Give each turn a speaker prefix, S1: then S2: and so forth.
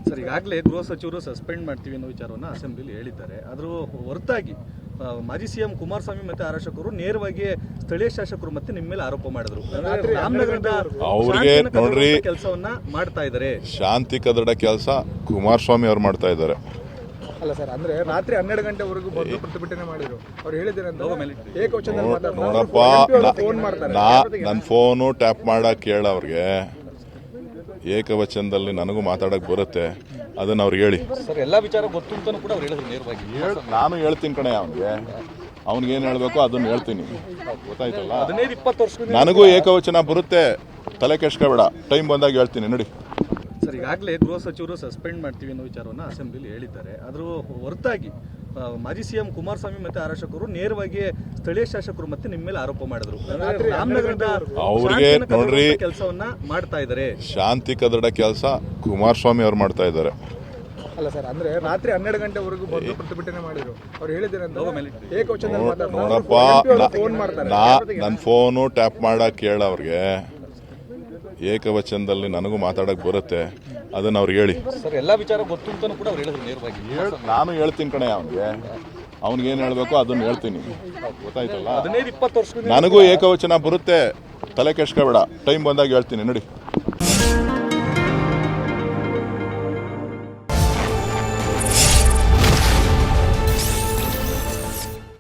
S1: Sir, ಈಗಾಗಲೇ ಗೃಹ ಸಚಿವರು ಸಸ್ಪೆಂಡ್ ಮಾಡ್ತೀವಿ ಅನ್ನೋ ವಿಚಾರವನ್ನು ಅಸೆಂಬ್ಲಿಲಿ ಹೇಳಿದ್ದಾರೆ. ಅದರ ಹೊರತಾಗಿ ಮಾಜಿ ಸಿಎಂ ಕುಮಾರಸ್ವಾಮಿ ಮತ್ತೆ ಆರ್ ಅಶೋಕರು ನೇರವಾಗಿ ಸ್ಥಳೀಯ ಶಾಸಕರು ಮತ್ತೆ ನಿಮ್ಮ ಮೇಲೆ ಆರೋಪ ಮಾಡಿದ್ರು. ರಾಮನಗರದ
S2: ಅವ್ರಿಗೆ ನೋಡ್ರಿ
S1: ಕೆಲಸವನ್ನ ಮಾಡ್ತಾ ಇದ್ದಾರೆ,
S2: ಶಾಂತಿ ಕದಡ ಕೆಲಸ ಕುಮಾರಸ್ವಾಮಿ ಅವ್ರು ಮಾಡ್ತಾ ಇದ್ದಾರೆ.
S3: ಅಲ್ಲ ಸರ್, ಅಂದ್ರೆ ರಾತ್ರಿ 12 ಗಂಟೆವರೆಗೂ ಬಂದು ಪ್ರತಿಭಟನೆ ಮಾಡಿದ್ರು. ಅವ್ರು ಹೇಳಿದ್ರೆ ಏಕವಚನದಲ್ಲಿ
S2: ನೋಡಪ್ಪ, ನನ್ನ ಫೋನು ಟ್ಯಾಪ್ ಮಾಡಕ್ ಕೇಳ ಅವ್ರಿಗೆ ಏಕವಚನದಲ್ಲಿ ನನಗೂ ಮಾತಾಡಕ್ ಬರುತ್ತೆ, ಅದನ್ನ ಅವ್ರಿಗೆ ಹೇಳಿ.
S1: ಸರ್, ಎಲ್ಲಾ ವಿಚಾರ ಗೊತ್ತು ಅಂತಾನೂ ಕೂಡ ಅವ್ರು ಹೇಳಿದ್ರು ನೇರವಾಗಿ.
S2: ನಾನು ಹೇಳ್ತೀನಿ ಕಣೆ ಅವ್ನಿಗೆ ಏನ್ ಹೇಳ್ಬೇಕು ಅದನ್ನ ಹೇಳ್ತೀನಿ, ಗೊತ್ತಾಯ್ತಲ್ಲ.
S1: 15-20 ವರ್ಷ
S2: ನನಗೂ ಏಕವಚನ ಬರುತ್ತೆ, ತಲೆ ಕೆಡ್ಸ್ಕೋಬೇಡ, ಟೈಮ್ ಬಂದಾಗ ಹೇಳ್ತೀನಿ ನೋಡಿ.
S1: ಸರ್, ಈಗಾಗಲೇ ಗೃಹ ಸಚಿವರು ಸಸ್ಪೆಂಡ್ ಮಾಡ್ತೀವಿ ಅನ್ನೋ ವಿಚಾರವನ್ನು ಅಸೆಂಬ್ಲಿಲಿ ಹೇಳಿದ್ದಾರೆ. ಅದರ ಹೊರತಾಗಿ ಮಾಜಿ ಸಿಎಂ ಕುಮಾರಸ್ವಾಮಿ ಮತ್ತೆ ಆರ್ ಅಶೋಕರು ನೇರವಾಗಿ ಸ್ಥಳೀಯ ಶಾಸಕರು ಮತ್ತೆ ನಿಮ್ಮ ಮೇಲೆ ಆರೋಪ ಮಾಡಿದ್ರು. ರಾಮನಗರದ
S2: ಅವ್ರಿಗೆ ನೋಡ್ರಿ
S1: ಕೆಲಸವನ್ನ ಮಾಡ್ತಾ ಇದ್ದಾರೆ,
S2: ಶಾಂತಿ ಕದಡ ಕೆಲಸ ಕುಮಾರಸ್ವಾಮಿ ಅವ್ರು ಮಾಡ್ತಾ ಇದ್ದಾರೆ.
S3: ಅಲ್ಲ ಸರ್, ಅಂದ್ರೆ ರಾತ್ರಿ 12 ಗಂಟೆವರೆಗೂ ಬಂದು ಪ್ರತಿಭಟನೆ ಮಾಡಿದ್ರು. ಅವ್ರು ಹೇಳಿದ್ರೆ ಏಕವಚನದಲ್ಲಿ
S2: ನೋಡಪ್ಪ, ನನ್ನ ಫೋನು ಟ್ಯಾಪ್ ಮಾಡಕ್ ಕೇಳ ಅವ್ರಿಗೆ ಏಕವಚನದಲ್ಲಿ ನನಗೂ ಮಾತಾಡಕ್ ಬರುತ್ತೆ, ಅದನ್ನ ಅವ್ರಿಗೆ ಹೇಳಿ.
S1: ಸರ್, ಎಲ್ಲಾ ವಿಚಾರ ಗೊತ್ತು ಅಂತಾನೂ ಕೂಡ ಅವ್ರು ಹೇಳಿದ್ರು ನೇರವಾಗಿ.
S2: ನಾನು ಹೇಳ್ತೀನಿ ಕಣೆ ಅವ್ನಿಗೆ ಏನ್ ಹೇಳ್ಬೇಕು ಅದನ್ನ ಹೇಳ್ತೀನಿ, ಗೊತ್ತಾಯ್ತಲ್ಲ.
S1: 15-20 ವರ್ಷ
S2: ನನಗೂ ಏಕವಚನ ಬರುತ್ತೆ, ತಲೆ ಕೆಡ್ಸ್ಕೋಬೇಡ, ಟೈಮ್ ಬಂದಾಗ ಹೇಳ್ತೀನಿ ನೋಡಿ.